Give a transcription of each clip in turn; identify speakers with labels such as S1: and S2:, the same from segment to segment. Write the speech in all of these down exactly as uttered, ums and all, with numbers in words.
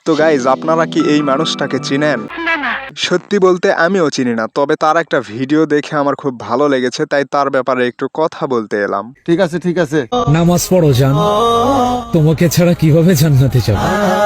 S1: তো গাইজ, আপনারা কি এই মানুষটাকে চিনেন? সত্যি বলতে আমিও চিনি না, তবে তার একটা ভিডিও দেখে আমার খুব ভালো লেগেছে, তাই তার ব্যাপারে একটু কথা বলতে এলাম।
S2: ঠিক আছে ঠিক আছে
S3: নামাজ পড়ো জান, তোমাকে ছাড়া কিভাবে জান্নাতে যাব?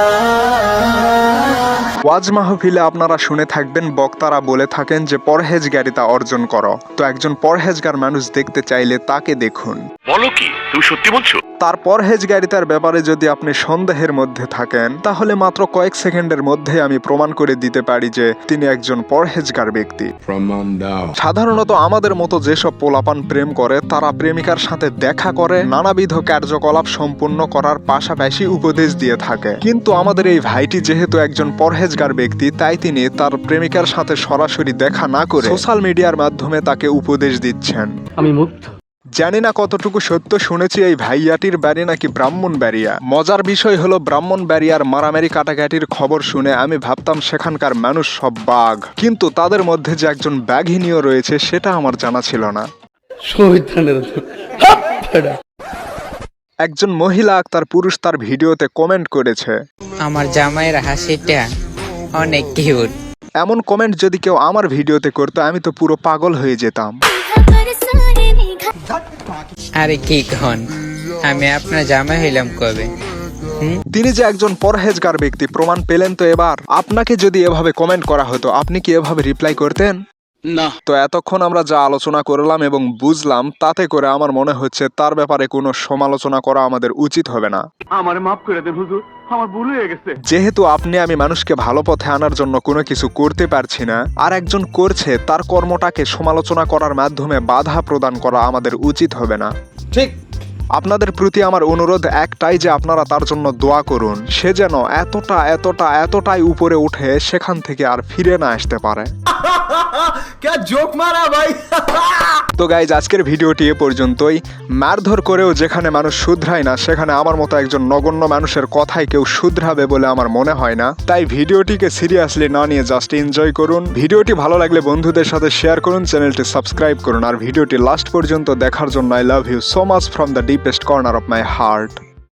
S1: ওয়াজ মাহফিলে আপনারা শুনে থাকবেন বক্তারা বলে থাকেন যে পরহেজগারিতা অর্জন করো। তো একজন পরহেজগার মানুষ দেখতে চাইলে তাকে দেখুন।
S4: বলো কি, তুমি সত্যি বলছো?
S1: তার পরহেজগারিতার ব্যাপারে যদি আপনি সন্দেহের মধ্যে থাকেন, তাহলে মাত্র কয়েক সেকেন্ডের মধ্যে আমি প্রমাণ করে দিতে পারি যে তিনি একজন পরহেজগার ব্যক্তি। সাধারণত আমাদের মতো যেসব পোলাপান প্রেম করে, তারা প্রেমিকার সাথে দেখা করে নানাবিধ কার্যকলাপ সম্পূর্ণ করার পাশাপাশি উপদেশ দিয়ে থাকে। কিন্তু আমাদের এই ভাইটি যেহেতু একজন পরহেজগার ব্যক্তি, তাই তিনি তার প্রেমিকার সাথে সরাসরি দেখা না করে সোশ্যাল মিডিয়ার মাধ্যমে তাকে উপদেশ দিচ্ছেন।
S5: আমি মুগ্ধ।
S1: জানি না কতটুকু সত্য, শুনেছি এই ভাইয়াটির বাড়ি নাকি ব্রাহ্মণবাড়িয়া। মজার বিষয় হলো, ব্রাহ্মণবাড়িয়ার মারামারি কাটাকাটির খবর শুনে আমি ভাবতাম সেখানকার মানুষ সব বাঘ, কিন্তু তাদের মধ্যে যে একজন বাঘিনীও রয়েছে সেটা আমার জানা ছিল না। একজন মহিলা তার পুরুষ তার ভিডিওতে কমেন্ট করেছে,
S6: আমার জামাইয়ের হাসিটা অনেক কিউট।
S1: এমন কমেন্ট যদি কেউ আমার ভিডিওতে করতো, আমি তো পুরো পাগল হয়ে যেতাম।
S6: আরে কি কন, আমি আপনার জামাই হইলাম কবে?
S1: তিনি যে একজন পরহেজগার ব্যক্তি প্রমাণ পেলেন তো এবার। আপনাকে যদি এভাবে কমেন্ট করা হতো, আপনি কি এভাবে রিপ্লাই করতেন?
S5: না।
S1: তো এতক্ষণ আমরা যা আলোচনা করলাম এবং বুঝলাম, তাতে করে আমার মনে হচ্ছে তার ব্যাপারে কোনো সমালোচনা করা আমাদের উচিত হবে না।
S5: আমার মাফ করে দেন হুজুর, আমার ভুল হয়ে গেছে।
S1: যেহেতু আপনি আমি মানুষকে ভালো পথে আনার জন্য কোনো কিছু করতে পারছি না, আর একজন করছে, তার কর্মটাকে সমালোচনা করার মাধ্যমে বাধা প্রদান করা আমাদের উচিত হবে না।
S2: ঠিক।
S1: আপনাদের প্রতি আমার অনুরোধ একটাই যে আপনারা তার জন্য দোয়া করুন, সে যেন এতটা এতটা এতটাই উপরে উঠে সেখান থেকে আর ফিরে না আসতে পারে। তো গাইজ, আজকের ভিডিওটি এ পর্যন্তই। মারধর করেও যেখানে মানুষ শুধরায় না, সেখানে আমার মতো একজন নগণ্য মানুষের কথায় কেউ শুধরাবে বলে আমার মনে হয় না। তাই ভিডিওটিকে সিরিয়াসলি না নিয়ে জাস্ট এনজয় করুন। ভিডিওটি ভালো লাগলে বন্ধুদের সাথে শেয়ার করুন, চ্যানেলটি সাবস্ক্রাইব করুন, আর ভিডিওটি লাস্ট পর্যন্ত দেখার জন্য I love you so much from the deepest corner of my heart.